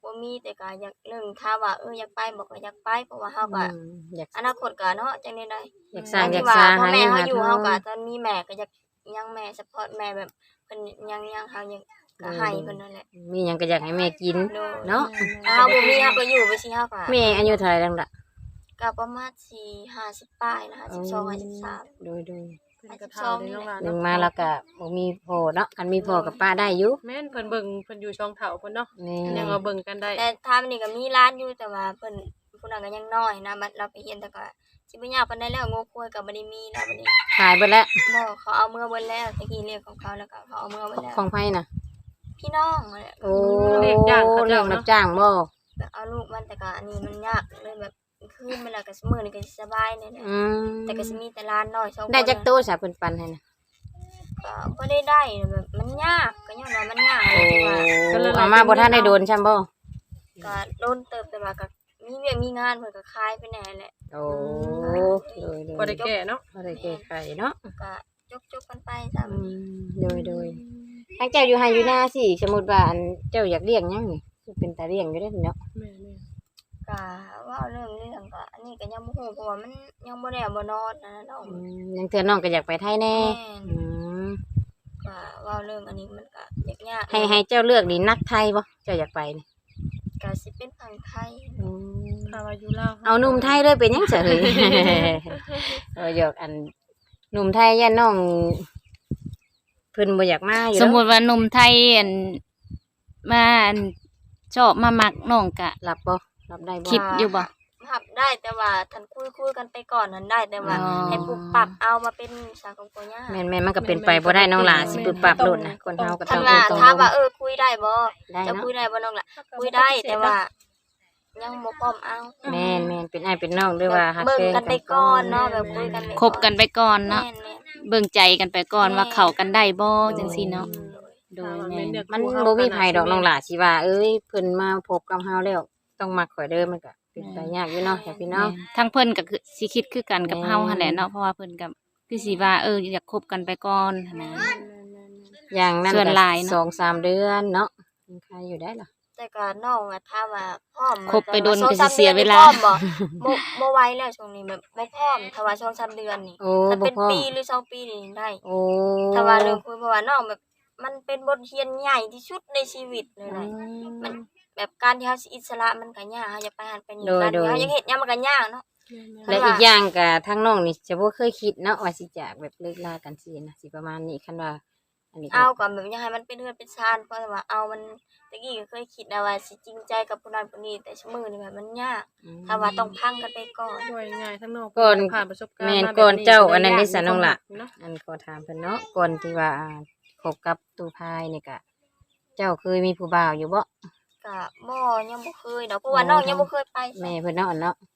Speaker 4: บ่มีแต่ก็อยากหนึ่งถ้าว่าเอออยากไปบอกก็อยากไปเพราะว่าเฮาก็
Speaker 2: อืมอยาก
Speaker 4: อนาคตก็เนาะจังได๋ได้
Speaker 2: อยากสร้างอยาก
Speaker 4: ว่า
Speaker 2: สร้าง
Speaker 4: พ่อ
Speaker 2: หา
Speaker 4: แม่
Speaker 2: เงิน
Speaker 4: เฮา
Speaker 2: หา
Speaker 4: อยู่
Speaker 2: ทอ
Speaker 4: เฮาง ก็ตอนมีแม่ก็อยากยังแม่ซัปพอร์ตแม่แบบเพิ่นยังยังเฮายังก็ให้เพิ่นนั่นแหละ
Speaker 2: มีหยังก็อยากให้แม่กิน
Speaker 4: โดย
Speaker 2: เนาะ
Speaker 4: ถ้าเฮาบ่มีเฮาก็อยู่ไปสิเฮาก็
Speaker 2: แม่อายุเท่าไหร่แล้วล่ะ
Speaker 4: ก็ประมาณสี่ ห้าสิบปลายนะห้าสิบสอง ห้าสิบสาม
Speaker 2: โดยโดย
Speaker 3: เพิ่นก็เฒ่าได้น้องหลาน
Speaker 2: หนึ่ง
Speaker 3: เนาะ
Speaker 2: มาแล้วก็บ่มีพ่อเนาะคันมีพ่อกับป้าได้อยู่
Speaker 3: แม่นเพิ่นเบิ่งเพิ่นอยู่ช่องเฒ่าเพิ่นเนาะ
Speaker 2: แม่
Speaker 3: ยังเอาเบิ่งกันได้
Speaker 4: แต่ทามนี่ก็มีร้านอยู่แต่ว่าเพิ่นผู้นั้นก็ยังน้อยนะบัดเราไปเรียนแต่ก็สิบ่ยากปานใดแล้วโง่ควยก็บ่ได้มีแล้วบัดนี้
Speaker 2: ขายเบิดแล้ว
Speaker 4: บ่เขาเอามือเบิดแล้วตะกี้เรียกของเขาแล้วก็เขาเอามือเบิดแล้ว
Speaker 2: ของไผน่ะ
Speaker 4: พี่น้องนั่นแหละ
Speaker 2: โอ้เลี้ยงรับจ้างบ่
Speaker 4: แบบเอาลูกมันแต่ก็อันนี้มันยากเลยแบบคืนเวลาก็สมื้อนี่ก็สิสบายแน่
Speaker 2: อืม
Speaker 4: ๆแต่ก็สิมีแต่ร้านน้อยสองคน
Speaker 2: ได้จักโตซะเพิ่นปันให้น่ะ
Speaker 4: ก็บ่ได้ได้แบบมันยากก็ย้อนว่ามันยาก
Speaker 2: โอ้
Speaker 4: เลยที่ว่า
Speaker 2: เอามาบ่ทันได้โดนช่ำบ่
Speaker 4: ก็โดนเติบแต่ว่าก็มีเวียกมีงานเพิ่นก็คายไปแน่แหละ
Speaker 2: โอ้โดยโดย
Speaker 3: บ่ได้แก่เนาะ
Speaker 2: บ่ได้แก้ไขเนาะ
Speaker 4: ก็จกๆกันไปจ้ะ
Speaker 2: อืมโดยโดยทางเจ้าอยู่ไห้อยู่หน้าสิสมมุติว่าอันเจ้าอยากเลี้ยงหยังนี่คือเป็นตาเลี้ยงอยู่เด้อเนาะ
Speaker 3: แม่น
Speaker 4: ก็เว่าเรื่องเรื่องก็อันนี้ก็ยังบ่ฮู้เพราะว่ามันยังบ่ได้เอาบ่นอนนะน้อง
Speaker 2: อืมยังเทื่อน้องก็อยากไปไทยแน่
Speaker 4: แม่น
Speaker 2: อืม
Speaker 4: ก็เว่าเรื่องอันนี้มันก็ยากๆ
Speaker 2: ให้ให้เจ้าเลือกนี่นักไทยบ่เจ้าอยากไปนี่
Speaker 4: ก็สิเป็นฝั่งไทย
Speaker 2: อืม
Speaker 3: ๆถ้าว่าอยู่ลาว
Speaker 2: เอาหนุ่มไทยเลยเป็นหยังเฉย เอออยากอันหนุ่มไทยย่าน้องเพิ่นบ่อยากมาอยู่
Speaker 1: สม
Speaker 2: แล้ว
Speaker 1: มุติว่าหนุ่มไทยอันมาอันชอบมามักน้องก็
Speaker 2: รับบ่รับได้บ่
Speaker 1: คิดอยู่บ่
Speaker 4: รับได้แต่ว่าท่านคุยคุยกันไปก่อนนั้นได้แต่ว่า
Speaker 1: อ๋อ
Speaker 4: ให้ปรับปรับเอามาเป็นสังคมปัญญา
Speaker 2: แม่นแม่นมันก็เป็นไปบ่ได้น้องหลาสิปรับปรับโลดนะคนเฮาก็ต้
Speaker 4: ท่า
Speaker 2: อน ง
Speaker 4: ว่า
Speaker 2: ต้อง
Speaker 4: ถ้าว่าเออคุยได้บ่
Speaker 2: ได้
Speaker 4: จะ
Speaker 2: เนาะ
Speaker 4: คุยได้บ่น้องล่ะคุยได้แต่ว่า ยังบ่พร้อมเอา
Speaker 2: แม่นแม่นเป็นอ้ายเป็นน้องด้วยว่าฮัก
Speaker 4: เบิ่ง
Speaker 2: แพง
Speaker 4: กันไปก่อนเนาะแบบคุยกันไป
Speaker 1: คบกันไปก่อนเนาะ
Speaker 4: แม่นแม่น
Speaker 1: เบิ่งใจกันไปก่อนว่าเข้ากันได้บ่จังซี่เนาะโดยแม่น
Speaker 2: มันบ่มีไผดอกน้องหลาสิว่าเอ้ยเพิ่นมาพบกับเฮาแล้วต้องมักข่อยเด้อมันก็เป็นไปยากอยู่เนาะจ้ะพี่น้อง
Speaker 1: แม่นทั้งเพิ่นก็คือสิคิดคือกันกับ
Speaker 2: แม่น
Speaker 1: เฮาหั่นแหละเนาะเพราะว่าเพิ่นก็คือสิว่าเอออยากคบกันไปก่อนหั่นนะ
Speaker 2: อย่างนั้น
Speaker 1: ส่วน
Speaker 2: ก็
Speaker 1: หลายเนาะ
Speaker 2: สองสามเดือนเนาะยังใครอยู่ได้ล่ะ
Speaker 4: แต่ก็น้องอะถ้าว่าพร้อม
Speaker 1: คบไปโดน
Speaker 4: สอง
Speaker 1: ก็
Speaker 4: สา
Speaker 1: สิ
Speaker 4: ม
Speaker 1: เสียเวลา
Speaker 4: ดือนนี่พร้อมบ่บ่บ่ไหวแล้วช่วงนี้แบบบ่พร้อมถ้าว่าสองสามเดือนนี่
Speaker 2: โอ้
Speaker 4: ถ้า
Speaker 2: บ่
Speaker 4: เป็น
Speaker 2: พร้อม
Speaker 4: ปีหรือสองปีนี่ได้
Speaker 2: โอ้
Speaker 4: ถ้าว่าเรื่องคุยเพราะว่าน้องแบบ มันเป็นบทเรียนใหญ่ที่สุดในชีวิตเลย
Speaker 2: อื
Speaker 4: นะ
Speaker 2: ม
Speaker 4: มันแบบการที่เฮาสิอิสระมันก็ยากเฮาจะไปหันไปนี่
Speaker 2: โดย
Speaker 4: การ
Speaker 2: โดย
Speaker 4: ที่เฮายังเฮ็ดหยังมันก็ยากเนาะ
Speaker 2: และอีกอย่างก็ทางน้องนี่จะบ่เคยคิดเนาะว่าสิจากแบบเลิกลากันสินะสิประมาณนี้คันว่า อันนี้ก็
Speaker 4: เอาก่อนแบบอยากให้มันเป็นเฮือนเป็นชานเพราะว่าเอามันตะกี้ก็เคยคิดนะว่าสิจริงใจกับผู้นั้นผู้นี้แต่ชั่วมือนี่แบบมันยาก
Speaker 2: อืม
Speaker 4: ถ้าว่าต้องพังกันไปก่อน
Speaker 3: ด้วยง่ายทั้งนอก
Speaker 2: ก่อน
Speaker 3: ผ่านประสบการณ์
Speaker 2: แม่น
Speaker 3: มาแบบ
Speaker 2: ก่อนเจ้าอันนั้น
Speaker 3: หล
Speaker 2: ได้
Speaker 3: ย
Speaker 2: สะน้องล่ะ
Speaker 3: เนาะ
Speaker 2: อันขอถามเพิ่นเนาะก่อนที่ว่าอ่าคบกับตูพายนี่ก็เจ้าเคยมีผู้บ่าวอยู่บ่
Speaker 4: ก็บ่ยังบ่เคยดอกเพราะว่าน้องยังบ่เคยไป
Speaker 2: แม่เพิ่นเนาะอันเนาะ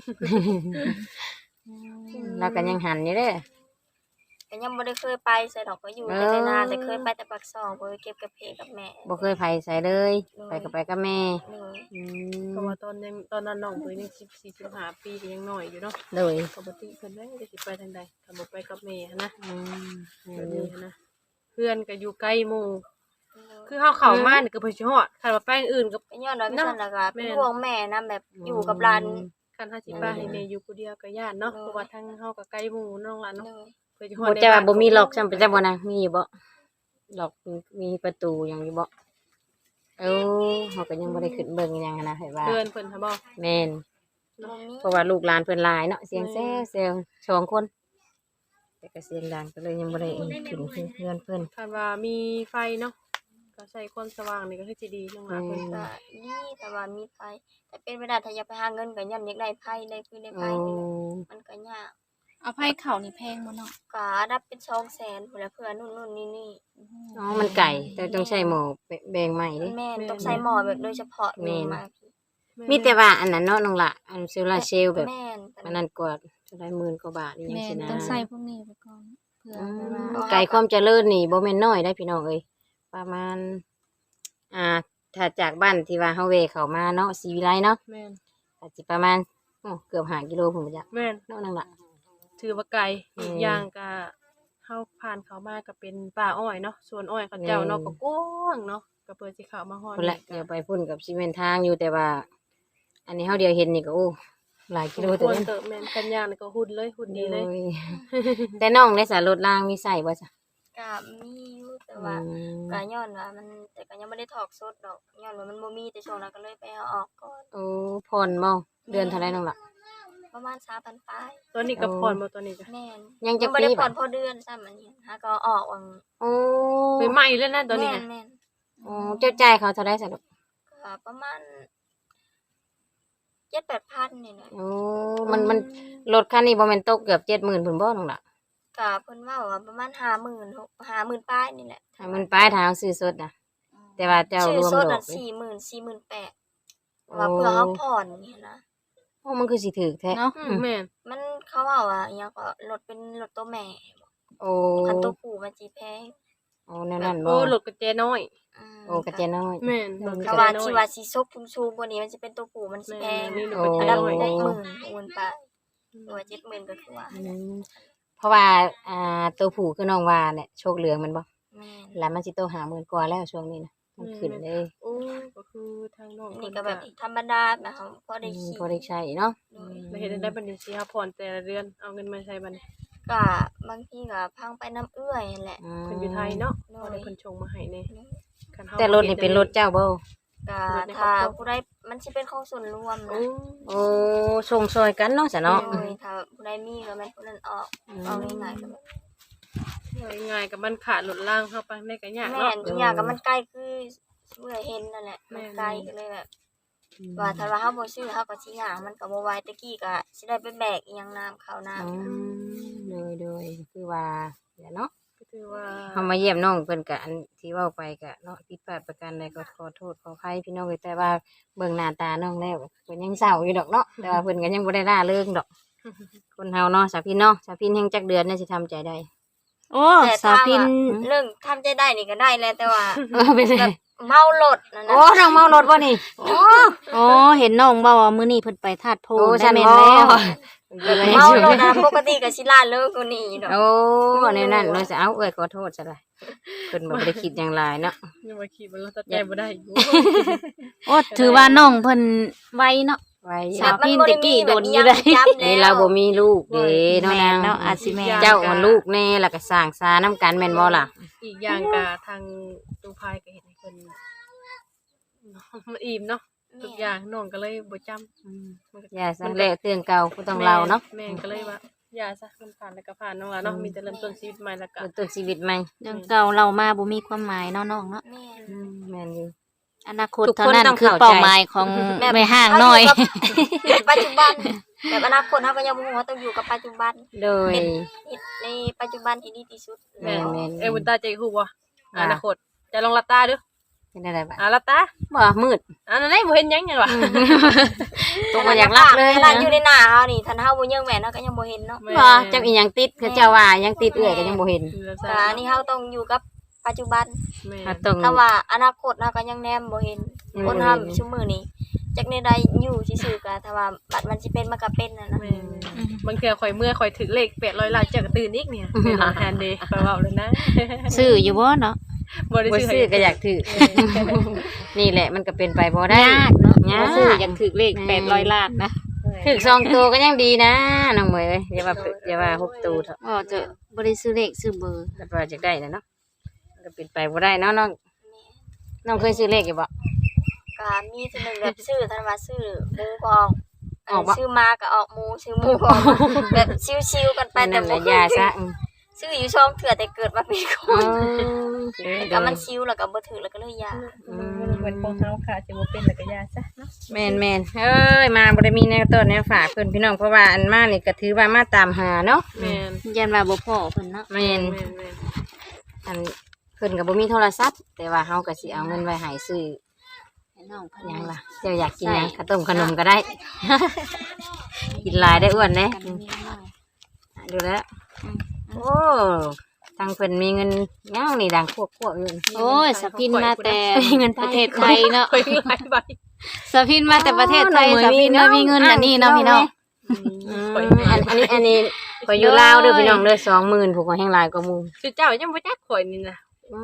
Speaker 2: แล้วก็ยังหันอยู่เด้อ
Speaker 4: ก็ยังบ่ได้เคยไปใส่ดอกก็อยู่
Speaker 2: เอ
Speaker 4: แต่
Speaker 2: อ
Speaker 4: แต่นานแต่เคยไปแต่ปากซองบ่ได้เก็บกับเพกับแม่
Speaker 2: บ่เคยไปไสเลย ไปก็ไปกับแม่
Speaker 4: เลย
Speaker 2: อืม
Speaker 3: เพราะว่าตอนยังตอนนั้นน้องเพิ่นยังสิบสี่สิบห้าปีก็ยังน้อยอยู่เนาะ
Speaker 2: โดย
Speaker 3: ปกติเพิ่นได้จะสิไปทางใดถ้าบ่ไปกับแม่หั้นนะ
Speaker 2: อืม
Speaker 3: แบบนี้หั้นนะเพื่อนก็อยู่ใกล้หมู่คือเฮาเข้ามานี่ก็เพิ่นสิฮอดคันว่าไปอันอื่นก็
Speaker 4: ก็ย้อนว่าพี่ซั่นล่ะก็เป็น
Speaker 3: แม่น
Speaker 4: ห่วงแม่นํแบบอยู่กับหลาน
Speaker 3: คันเฮาสิไปให้แม่อยู่ผู้เดียวก็ย่านเนาะเพราะว่าทางเฮาก็ใกล้หมู่น้องหลาน
Speaker 4: เล
Speaker 3: เนาะ
Speaker 4: ย
Speaker 3: เพิ่นสิฮ
Speaker 2: บ่
Speaker 3: อด
Speaker 2: จะว่า
Speaker 3: ใน
Speaker 2: บ่มี
Speaker 3: น
Speaker 2: ล็อกซ้ํเป็นจังบ่นะมีอยู่บ่ล็อกมีมีประตูหยังอยู่บ่เอ้าเฮาก็ยังบ่ได้ขึ้นเบิ่งหยังหั้นนะให้ว่า
Speaker 3: เพื่อนเพิ่นหาบ่
Speaker 2: แม่น
Speaker 4: บ่มี
Speaker 2: เพราะว่าลูกหลานเพิ่นหลายเนาะเสียง
Speaker 3: อืม
Speaker 2: แซ่เซลสองคน แต่ก็เสียงดังก็เลยยังบ่ได้ขึ้นเพื่อนเพิ่น
Speaker 3: คันว่ามีไฟเนาะก็ใช้ความสว่างนี่ก็คือสิดีน้องหลานเพิ่น
Speaker 2: อืม
Speaker 4: ก็ดีแต่ว่ามีไผแต่เป็นไปได้ถ้าอยากไปหาเงินก็ย้อนอยากได้ไผได้คือได้ไผ
Speaker 2: โอ้
Speaker 4: นี่แหละมันก็ยาก
Speaker 1: เอาไผเข้านี่แพงบ่เนาะ
Speaker 4: ก็นับเป็น สองแสนพุ่นแหละเพื่อนู่นๆนี่
Speaker 2: อ๋อมันไก่แต่ต้องใช้หม้อแบ่งใหม่เด้
Speaker 4: ๆแม่นต้องใส่หม้อแบบโดยเฉพาะ
Speaker 2: แม่น
Speaker 4: มา
Speaker 2: มีแต่ว่าอันนั้นเนาะน้องละอันโซลาร์เซลล์แบบ
Speaker 4: แม่น
Speaker 2: อันนั้นกว่าจะได้หมื่นกว่าบาทนี่ยัง
Speaker 1: แม่
Speaker 2: สิ
Speaker 1: น
Speaker 2: นะ
Speaker 1: ต้องใส่พวกนี้ไปก่อนเพื่อ
Speaker 2: อื
Speaker 1: แบบ
Speaker 2: ม
Speaker 1: ว่า
Speaker 2: ไก่ความเจริญนี่บ่แม่นน้อยได้พี่น้องเอ้ยประมาณ อ่า ถ้าจากบ้านที่ว่าเฮาเวเข้ามาเนาะศรีวิไลเนาะ
Speaker 3: แม่น
Speaker 2: อาจสิประมาณโอ้เกือบห้ากิโลพุ่นบ่จ๊ะ
Speaker 3: แม่น
Speaker 2: เนาะนั่นล่ะ
Speaker 3: ถือว่าไกล
Speaker 2: อืม
Speaker 3: อีกอย่างก็เฮาผ่านเขามาก็เป็นป่าอ้อยเนาะสวนอ้อยเขาเจ้าเนาะ
Speaker 2: อืม
Speaker 3: ก็กว้างเนาะก็ก็เปิดสิเข้ามาฮอด
Speaker 2: พุ่นละเดี๋ยวไปพุ่นกับซีเมนทางอยู่แต่ว่า อันนี้เฮาเดียวเห็นนี่ก็โอ้หลายกิโล
Speaker 3: ค
Speaker 2: ตัว
Speaker 3: วร
Speaker 2: นี้
Speaker 3: เติบแม่นกันย่างนี่ก็หุ่นเลยหุ่นดีเลย
Speaker 2: โอ้ยแต่น้องในสารรถรางมีใส่บ่จ้ะ
Speaker 4: ก็มีอยู่แต่
Speaker 2: อื
Speaker 4: ว่าม ก็ย้อนว่ามันแต่ก็ยังบ่ได้ถอกสดดอกย้อนว่ามันบ่มีแต่ช่วงนั้นก็เลยไปเอาออกก่อน
Speaker 2: โอ้ผ่อนบ่เดือนเท่าไหร่น้องล่ะ
Speaker 4: ประมาณสามพันปลาย
Speaker 3: ตัวนี้ก็ผ่อนบ่ตัวนี้ก็
Speaker 4: แม่น
Speaker 2: ยังจะ
Speaker 4: บ่ได้
Speaker 2: ปี
Speaker 4: ผ่
Speaker 2: บ่
Speaker 4: อนพอเดือนซ้ำอันนี้หาก็เอาออกวัง
Speaker 2: โอ้
Speaker 3: ไปใหม่เลยนะตัวนี้
Speaker 4: แม่
Speaker 3: ค่ะ
Speaker 4: นแม่น
Speaker 2: โอ้เจ้าจ่ายเขาเท่าไหร่สะดอก
Speaker 4: ก็ประมาณ เจ็ดแปดพันนี่แหละ
Speaker 2: โอ้มันมันรถคันนี้บ่แม่นตกเกือบเจ็ดหมื่นพุ่นบ่น้องล่ะ
Speaker 4: ก็เพิ่นว่าว่าประมาณห้าหมื่นหก ห้าหมื่นปลายนี่แหละ
Speaker 2: ถ้ามันปลายทางซื้อสดน่ะ แต่ว่าเจ้ารวม
Speaker 4: ซื้อส
Speaker 2: ด
Speaker 4: ด
Speaker 2: อ
Speaker 4: น่ะ
Speaker 2: กเลย
Speaker 4: สี่หมื่น สี่หมื่นแปด
Speaker 2: โอ้
Speaker 4: ว่าเพื่อเฮาผ่อนนี่นะ
Speaker 2: โอ้มันคือสิถูกแท้
Speaker 1: เนาะ
Speaker 3: อืมแม่น
Speaker 4: มันเขาว่าว่าอิหยังก็รถเป็นรถตัวแม่
Speaker 2: โอ้
Speaker 4: คันตัวผู้มันสิแพง
Speaker 2: โอ้แนวนั้นบ่
Speaker 3: โอ้รถกระเจน้อย
Speaker 4: อืม
Speaker 2: โอ้กระเจน้อย
Speaker 3: แม่นรถก
Speaker 4: ก็
Speaker 3: ระ
Speaker 4: ว่า
Speaker 3: เจน้อ
Speaker 4: ที่
Speaker 3: ย
Speaker 4: ว่าสิซกสูงๆกว่านี้มันสิเป็นตัวผู้มันสิแพ
Speaker 3: แม่
Speaker 4: ง
Speaker 3: นนี่รถ
Speaker 2: โอ้
Speaker 3: กระ
Speaker 4: อัน
Speaker 3: เจ
Speaker 4: นั้น
Speaker 3: น้อย
Speaker 4: ได้หมื่นหมื่นปลายตัวเจ็ดหมื่นก็คือว่า
Speaker 2: อืมเพราะว่าอ่าตัวผู้คือน้องว่าเนี่ยโชคเหลืองมันบ่
Speaker 4: แม่น
Speaker 2: แล้วมันสิโตหาหมื่นกว่าแล้วช่วงนี้นะมันขึ้นเลย
Speaker 3: โอ้ก็คือทางน้อง
Speaker 4: นี่ก็แบบธรรมดาแบบเขาพอได้
Speaker 2: อืม
Speaker 4: ขี่
Speaker 2: พอได้ใช้เนาะ
Speaker 4: โดย
Speaker 3: แล้วเฮ็ดได้บัดนี้สิหาผ่อนแต่ละเดือนเอาเงินมาใช้บัดนี้
Speaker 4: ก็บางทีก็พังไปน้ำเอื้อยนั่นแหละ
Speaker 2: อืม
Speaker 3: เพิ่นอยู่ไทยเนาะ
Speaker 4: โด
Speaker 3: บ่
Speaker 4: ย
Speaker 3: ได้เพิ่นชงมาให้แน่คันเฮา
Speaker 2: แต่รถนี่เป็นรถเจ้าบ่
Speaker 4: ก็ถ้าผู้ใดมันสิเป็นของส่วนรวม
Speaker 3: โอ้
Speaker 4: นะ
Speaker 2: โอ้ส่งซอยกันเนาะจ้ะเนาะ
Speaker 4: โดยถ้าผู้ใดมีก็แม่นผู้นั้นออกเอาง่ายๆก็แบบ
Speaker 3: ง่ายๆกับมันขาดรถล่างเข้าไปได้ก็ยาก
Speaker 4: แม่
Speaker 3: เนาะ
Speaker 4: นอีกอย่างก็มันใกล้คือเมื่อเห็นนั่นแหละมันใกล้ก็เลยแบบว่าถ้าว่าเฮาบ่ซื้อเฮาก็สิหามันก็บ่ไหวตะกี้ก็สิได้ไปแบกอีหยังน้ำข้าวน้ำ
Speaker 2: อืมโดยโดยคือว่าเดี๋ยวเนาะ
Speaker 3: ก็คือว่า
Speaker 2: เฮามาเยี่ยมน้องเพิ่นก็อันที่เว้าไปก็เนาะผิดพลาดประการใดก็ขอโทษขออภัยพี่น้องเอ้ยแต่ว่าเบิ่งหน้าตาน้องแล้วเพิ่นยังเศร้าอยู่ดอกเนาะแต่ว่าเพิ่นก็ยังบ่ได้ล่าเริงดอก คนเฮาเนาะสาวพินเนาะสาวพินแห่งจักเดือนเนี่ยสิทำใจได้
Speaker 1: โอ้
Speaker 4: แต่
Speaker 1: สาวพิน
Speaker 4: ถ้าเรื่องทำใจได้นี่ก็ได้แหละแต่ว่า
Speaker 2: เออเป็นไง
Speaker 4: แบบเมารถนั่น
Speaker 2: โอ้
Speaker 4: นะ
Speaker 2: น้องเมารถบ่นี่โอ้
Speaker 1: โอ้เห็นน้องเว้าว่ามื้อนี้เพิ่นไปธาตุโพ
Speaker 2: โอ้
Speaker 1: ได้
Speaker 2: ฉัน
Speaker 1: แม่น
Speaker 2: บ่
Speaker 1: แล้ว
Speaker 4: เมารถนะปกติก็สิล่าเลิกกว่านี้ดอก
Speaker 2: โอ้ในนั้นเลยจะเอาเอ้ยขอโทษซะเลยเพิ่นบ่ได้คิดอย่างไรเนาะ
Speaker 3: ยังว่าขี่บนรถตัดใจบ่ได้อยู่
Speaker 1: โอ้ถือว่าน้องเพิ่นไวเนาะ
Speaker 2: ไว้
Speaker 1: สาวพินตะกี้โดนอยู่ได้
Speaker 2: นี่เราบ่มีลูกเด้เนาะ
Speaker 1: แม่
Speaker 2: นาง
Speaker 1: นเนาะอาจสิแม่น
Speaker 2: เจ้าอ่อนลูกแน่แล้วก็สร้างสานํกันแม่นบ่ล่ะ
Speaker 3: อีกอย่างก็ทางตูพายก็เห็นให้เพิ่นมันอิ่มเนาะทุกอย่างน้องก็เลยบ่จำ
Speaker 2: อย่าซะแลกเรื่องเก่าผู้ต้องเราเนาะ
Speaker 3: แม่ก็เลยว่าอย่าซะมันผ่านแล้วก็ผ่านน้องล่ะเนาะมีแต่เริ่มต้นชีวิตใหม่แล้วก็
Speaker 2: เริ่มต้นชีวิตใหม่
Speaker 1: เรื่องเก่าเรามาบ่มีความหมายเนาะน้องเนาะ
Speaker 4: แม่น
Speaker 2: อืมแม่นอยู่
Speaker 1: อนาคต
Speaker 2: ทุกคน
Speaker 1: เท่านั้น
Speaker 2: ต้อง
Speaker 1: คือ
Speaker 2: เข้าใจ
Speaker 1: เป้าหมายของแม่ห้างน้อย
Speaker 4: ปัจจุบันแบบอนาคตเราก็ยังบ่ฮู้ว่าต้องอยู่กับปัจจุบัน
Speaker 2: โดย
Speaker 4: ในปัจจุบันที่ดีที่สุด
Speaker 2: แม่นแม่น
Speaker 3: เอ้ยบุญตาใจฮู้บ่
Speaker 2: ว่า
Speaker 3: อนาคตจะลองหลับตาดู
Speaker 2: เป็นอะไรบ้าง
Speaker 3: อ่าหลับตา
Speaker 2: บ่มืด
Speaker 3: อันนั้นได้บ่เห็นหยังไงวะ
Speaker 2: ตกมาอยากรับเลย
Speaker 4: ขนาด
Speaker 2: นะ
Speaker 4: อยู่ในหน้าเฮานี่ท่านเฮาบ่ยังแม่นเฮาก็ยังบ่เห็นเนาะ
Speaker 2: บ่เจ้าอีหยังติดเขาเจ้าว่ายังติดเอื้อยก็ยังบ่เห็น
Speaker 4: ก็อันนี้เฮาต้องอยู่กับปัจจุบัน
Speaker 3: แม่
Speaker 2: ถ้าต้อง
Speaker 4: ถ้าว่าอนาคตเฮาก็ยังแนมบ่เห็น
Speaker 2: อืม
Speaker 4: คนเฮาซุมื้อนี้จักในใดอยู่ซื่อๆก็ถ้าว่าบัดมันสิเป็นมันก็เป็นน่ะนะ
Speaker 3: แม่บางเทื่อข่อยเมื่อข่อยถึงเลขแปดร้อยล้านเจ้าก็ตื่นอีกเนี่ยเป็นหลังแฮนเดย์ไปเว้าเลยนะ
Speaker 1: ซื้ออยู่บ่เนาะ
Speaker 3: บ่ได้
Speaker 2: บ่
Speaker 3: ซื้อ
Speaker 2: ซื้อก็อยากถือ นี่แหละมันก็เป็นไปบ่ได้
Speaker 1: ยากเนาะ
Speaker 2: ยาก
Speaker 1: บ่ซื้ออยากถูกเลขแปดร้อยล้านนะ
Speaker 2: ถือสองตัวก็ยังดีนะน้องเหมยเอ้ยอย่าว่าอย่าว่าหกตัวเถอะ
Speaker 1: อ๋อจะบ่ได้ซื้อเลขซื้อเบอร์
Speaker 2: แต่ว่าจะได้นะเนาะมันก็เป็นไปบ่ได้เนาะน้องน้องเคยซื้อเลขอยู่บ่
Speaker 4: ก็มีเทื่อหนึงแบบซื้อท่านว่าซื้อหมูก็ออก
Speaker 2: ออกบ่
Speaker 4: ซื้อมาก็ออกหมูซื้อหมูก็ออกแบบชิวๆกันไปแต่
Speaker 2: นั่นแห
Speaker 4: บ่
Speaker 2: ละยาซะอืม
Speaker 4: ซื้ออยู่ช่องเถื่อแต่เกิดมาเป็นค
Speaker 2: อ๋อน
Speaker 4: ก็มันชิวแล้วก็บ่ถือแล้วก็เลยยา
Speaker 3: เหมือนของเฮาค่ะสิบ่เป็นแล้วก็ยาซะเนาะ
Speaker 2: แม่นแม่นเอ้ยมาบ่ได้มีแนวต้นแนวฝากเพิ่นพี่น้องเพราะว่าอันมานี่ก็ถือว่ามาตามหาเนาะ
Speaker 3: แม่น
Speaker 1: ยันว่าบ่พอเพิ่นเนาะ
Speaker 2: แม่น
Speaker 3: แม่นแม่น
Speaker 2: อันเพิ่นก็บ่มีโทรศัพท์แต่ว่าเฮาก็สิเอาเงินไว้ให้ซื้อ
Speaker 1: ให้น้องเพิ่น
Speaker 2: ห
Speaker 1: ยั
Speaker 2: ยัง
Speaker 1: ง
Speaker 2: ล่ะ
Speaker 1: ล่ะ
Speaker 2: เจ้าอยากกินหยังข้าวต้มขนมก็ได้ กินหลายได้อ้วนเด้
Speaker 1: กันมีน้อย
Speaker 2: ดูแล้วโอ้ทางเพิ่นมีเงินเงานี่ดังควบๆอยู่นี่
Speaker 1: โอ้ยสะพินมาแต่
Speaker 2: เงินไทย
Speaker 1: ประเทศไทยเนาะ
Speaker 3: ข่อยหลายใบ
Speaker 1: สะพินมาแต่ประเทศไทย
Speaker 2: อ๋อ
Speaker 1: สะพิน
Speaker 2: น้
Speaker 1: มา
Speaker 2: อง
Speaker 1: มีเงิน
Speaker 2: น้อง
Speaker 1: อันนี้เนาะพี่น้อง
Speaker 2: อืม
Speaker 3: ข่อย
Speaker 2: อันอันนี้อันนี้ข่อยอยู่ลาวเด้อพี่น้องเด้อสองหมื่นผูกข่อยแห้งหลายกว่าหมู่
Speaker 3: คือเจ้ายังบ่จักข่อยนี่นะ
Speaker 2: อืม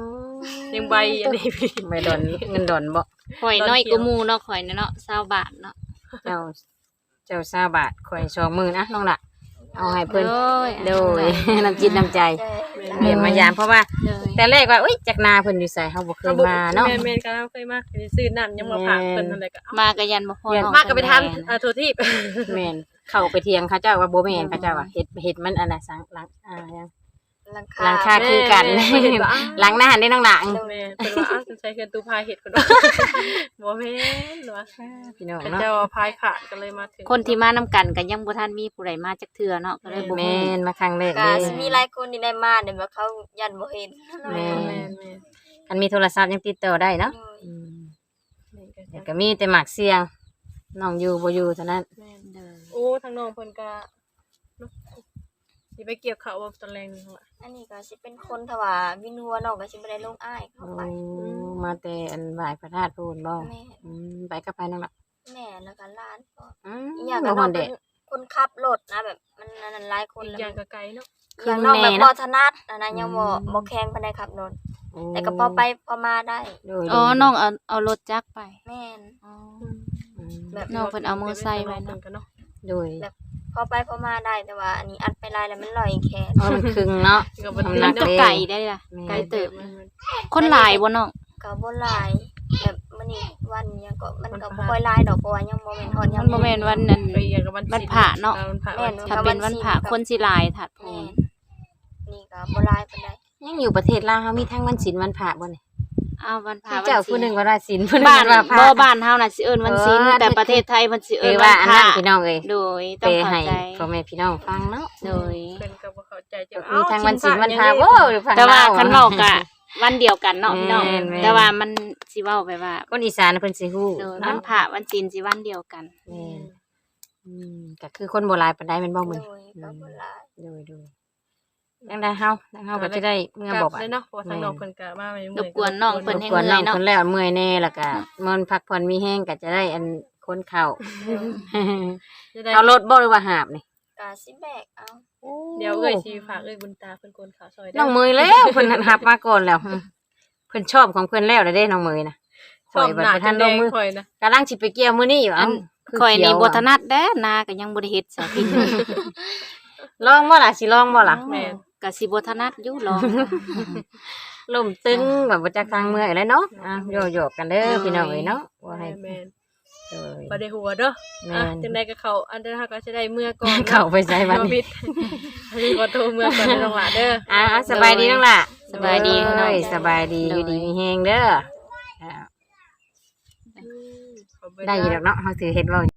Speaker 3: ยังใบอันนี้พี่
Speaker 2: ไม่ดอนเงินดอนบ่
Speaker 1: ข่อยน้อยกว่าหมู่เนาะข่อยน่ะเนาะ20บาทเนาะ
Speaker 2: เจ้าเจ้าซาบาทข่อยสองหมื่นนะน้องละเอาให้เพิ่น
Speaker 1: โดย
Speaker 2: โดย น้ำจิตน้ำใจ
Speaker 4: ใช่
Speaker 2: เรียนมายามเพราะว่า
Speaker 1: โดย
Speaker 2: แต่แรกว่าอุ้ยจักนาเพิ่นอยู่ไสเฮาบ่เคยมาเนาะ
Speaker 3: แม่แม่ก็เคยมาซื้อน้ำยังมาฝากเพิ่นนั่นแหละก็เอา
Speaker 1: มาก็ยันบ่พอน้อง
Speaker 3: มาก็ไปทัน
Speaker 1: แม่
Speaker 3: อ่าทัวทีบ
Speaker 2: แม่นเข้าไปเถียงเขาเจ้าว่าบ่แม่นเขาเจ้าว่าเฮ็ดเฮ็ดมันอันน่ะสังหลังอ่ายัง
Speaker 4: หลัง
Speaker 2: หลัง
Speaker 4: คา
Speaker 2: คาคือกัน
Speaker 3: แม่แม่เห็นว่าอ้าว
Speaker 2: หลังหน้าหันได้น้องหลัง
Speaker 3: แม่เพิ่นว่าอ้าวสงสัยเพิ่นตูพายเห็ดคนว่าบ่แม่นหรอ
Speaker 2: พี่น้อง
Speaker 3: เขา
Speaker 2: เนาะ
Speaker 3: เจ้าพายขาดกันเลยมาถึง
Speaker 1: คนที่มานํกันก็ยังบ่ทันมีผู้ใดมาจักเทื่อเนาะก็เลยบ่
Speaker 2: แม่
Speaker 1: ฮู้
Speaker 2: นมาครั้งแรก
Speaker 4: ก็
Speaker 2: เด้
Speaker 4: สิมีหลายคนที่ได้มาเนี่ยแบบเขายันบ่เห็น
Speaker 2: แม่
Speaker 3: แม่นแม่น
Speaker 2: อันมีโทรศัพท์ยังติดต่อได้เนาะ
Speaker 4: โดย
Speaker 2: อืม
Speaker 3: แม่นก็
Speaker 2: แต่ก็มีแต่หมักเสียงน้องอยู่บ่อยู่เท่านั้น
Speaker 3: แม่น
Speaker 1: โดย
Speaker 3: โอ้ทางน้องเพิ่นก็เนาะสิไปเกี่ยวข้าวว่าตอนแรงนี่ล่ะ
Speaker 4: อันนี้ก็สิเป็นคนถ้าว่าวินหัวน้องก็สิบ่ได้ลงอ้ายเข้า
Speaker 2: โอ้
Speaker 4: ไป
Speaker 2: มาแต่อันบ่ายพระธาตุพูนบ่
Speaker 4: แม่
Speaker 2: อืมไปกับไปน้องละ
Speaker 4: แม่แล้วก็หลานก็
Speaker 2: อืม
Speaker 4: อีหยัง
Speaker 2: บ่
Speaker 4: ก็
Speaker 2: ฮ
Speaker 4: น้
Speaker 2: อ
Speaker 4: อน ง
Speaker 2: เด็
Speaker 4: เป็
Speaker 2: ก
Speaker 4: นคนขับรถนะแบบมันอันนั้นหลายคน
Speaker 3: อีก
Speaker 4: แล้ว
Speaker 3: อย่างก็ไกลเนาะ
Speaker 4: อีกอย่างน้องแบบบ่ถนัดอันนั้นยังบ่บ่แข็งปานใดขับรถแต่ก็พอไปพอมาได้
Speaker 2: โดย
Speaker 1: อ๋อน้องเอาเอารถจักรไป
Speaker 4: แม่น
Speaker 1: อ๋อ
Speaker 2: อืม
Speaker 4: แบบ
Speaker 1: น้องเพิ่นเอามือใส่ไว้เนาะ
Speaker 3: เนาะ
Speaker 2: โดย
Speaker 4: พอไปพอมาได้แต่ว่าอันนี้อัดไปหลายแล้วมันลอยแขน
Speaker 2: อ๋อมันครึ่งเนาะ
Speaker 3: ก็บ่
Speaker 2: ทำ
Speaker 3: ได้
Speaker 2: หนั
Speaker 1: มัน
Speaker 2: ก
Speaker 1: ก็
Speaker 2: เลย
Speaker 1: ไก่ได้ล่ะ
Speaker 2: แม่
Speaker 1: ไก่เติบ
Speaker 3: มัน
Speaker 1: คนหลายบ่น้อง
Speaker 4: ก็บ่หลายแบบมื้อนี้วันหยังก็มันก็บ่ค่อยหลายดอกเพราะว่ายังบ่แม่นฮอดยา
Speaker 1: มันบ่แม่นวันนั้น
Speaker 3: ก็อีกอย่างก็วัน
Speaker 1: วันพระเนาะ
Speaker 3: วันพระ
Speaker 4: แม่
Speaker 3: วัน
Speaker 4: น
Speaker 1: ถ้าเป็นวันพระคนสิหลายถัดโพ
Speaker 4: แม่
Speaker 1: ง
Speaker 4: นนี่ก็บ่หลายปานใด
Speaker 2: ยังอยู่ประเทศลาวเฮามีทั้งวันศีลวันพระบ่นี่
Speaker 1: อ้าววันพระ
Speaker 2: ที่
Speaker 1: วัน
Speaker 2: เจ้า
Speaker 1: ศี
Speaker 2: ผู้หนึ
Speaker 1: ล
Speaker 2: งว่าราศีลผู้หนึง
Speaker 1: บ้าน
Speaker 2: ว่าพระ
Speaker 1: บ่บ้านเฮาน่ะสิเอิ้นวันศีล
Speaker 2: เออ
Speaker 1: แต่ประเทศไทยมันสิ
Speaker 2: เอ
Speaker 1: เอิ้
Speaker 2: อน ว่า
Speaker 1: วัน
Speaker 2: อัน
Speaker 1: พ
Speaker 2: นั้
Speaker 1: ระ
Speaker 2: นพี่น้องเอ้ย
Speaker 1: โดย
Speaker 2: ไป
Speaker 1: ต้องเข้า
Speaker 2: ให้
Speaker 1: ใจ
Speaker 2: พ่อแม่พี่น้องฟังเนาะ
Speaker 1: โดย
Speaker 3: เพิ่นก็บ่เข้าใจจะ
Speaker 2: มีทั้งวันศีลวันพระโว้ยฟัง
Speaker 1: แต่ว่า
Speaker 2: ลว
Speaker 1: คันเว้าก็วันเดียวกันเนาะพี่น้อง
Speaker 2: แม่นแม่น
Speaker 1: แต่ว่ามันสิเว้าไปว่า
Speaker 2: คนอีสานเพิ่นสิฮู้
Speaker 1: โดยวั
Speaker 2: เนาะ
Speaker 1: นพระวันศีลสิวันเดียวกัน
Speaker 2: แม่นอืมก็คือคนโบราณปานใดแม่นบ่
Speaker 4: โด
Speaker 2: มื้
Speaker 4: ย
Speaker 2: อ
Speaker 4: ก็บ่หลาย
Speaker 2: โดยโดยจังได้เฮาจังเฮาก็จะได้เมื่อบอก
Speaker 3: เล
Speaker 2: อ่ะ
Speaker 3: ยเนาะเพราะว่าทางน้องเพิ่นก็มาไม่
Speaker 1: รบกวนน้องเพิ่น
Speaker 2: รบ
Speaker 1: ให้
Speaker 2: กวนน้อง
Speaker 1: เนาะ
Speaker 2: เพิ่นแล้วเมื่อยแน่แล้วก็มันพักผ่อนมีแห้งก็จะได้อันคนเข้า
Speaker 3: จะได้
Speaker 2: เอารถบ่หรือว่าหาบนี่
Speaker 4: ก็สิแบกเอา
Speaker 3: เดี๋ยวเอ้ยสิฝากเอ้ยบุญตาเพิ่นโกนขาวซอยได้
Speaker 2: น้องเมยแล้วเพิ่นหับมาก่อนแล้วเพิ่นชอบของเพิ่นแล้วเด้น้องเมยนะ
Speaker 3: ชอบ
Speaker 2: ข่อย
Speaker 3: หน้า
Speaker 2: บ่ทั
Speaker 3: ทั
Speaker 2: น
Speaker 3: น
Speaker 2: ล
Speaker 3: แด
Speaker 2: ง
Speaker 3: ง
Speaker 2: มือ
Speaker 3: ข่อยนะ
Speaker 2: กำลังสิไปเกี่ยวมื้อนี้อยู่
Speaker 1: อั
Speaker 2: เอ้าน
Speaker 1: ข่อยนี่บ่ถนัดแด้นาก็ยังบ่ได้เฮ็ดซะพี่
Speaker 2: ลองบ่ล่ะสิลองบ่ล่ะ
Speaker 3: แม่น
Speaker 1: ก็สิบ่ถนัดอยู่ลอง
Speaker 2: ลมตึงแบบบ่จักทางเมื่อยแล้วเนาะอ่ะโยกๆกันเด้อพี่น้องเอ้ยเนาะว่าให้
Speaker 3: แม่น
Speaker 2: เอ้ย
Speaker 3: บ่ได้หัวเด้อ
Speaker 2: แม่
Speaker 3: อ่ะ
Speaker 2: น
Speaker 3: จังได๋ก็เข้าอันเดอร์เฮาก็สิได้เมื่อก่อน
Speaker 2: เข้าไปใส่บัด
Speaker 3: บ่
Speaker 2: นี้
Speaker 3: ผิดอันนี้บ่โทรเมื่อก่อนน้องหลาเด้อ
Speaker 2: อ่ะสบายดีน้องล่ะ
Speaker 1: สบายดี
Speaker 2: เอ้
Speaker 1: น้อง
Speaker 2: ยสบายดีอยู่ดีมีแฮงเด้ออ่าได้อยู่ดอกเนาะเฮาสิเฮ็ดเว้า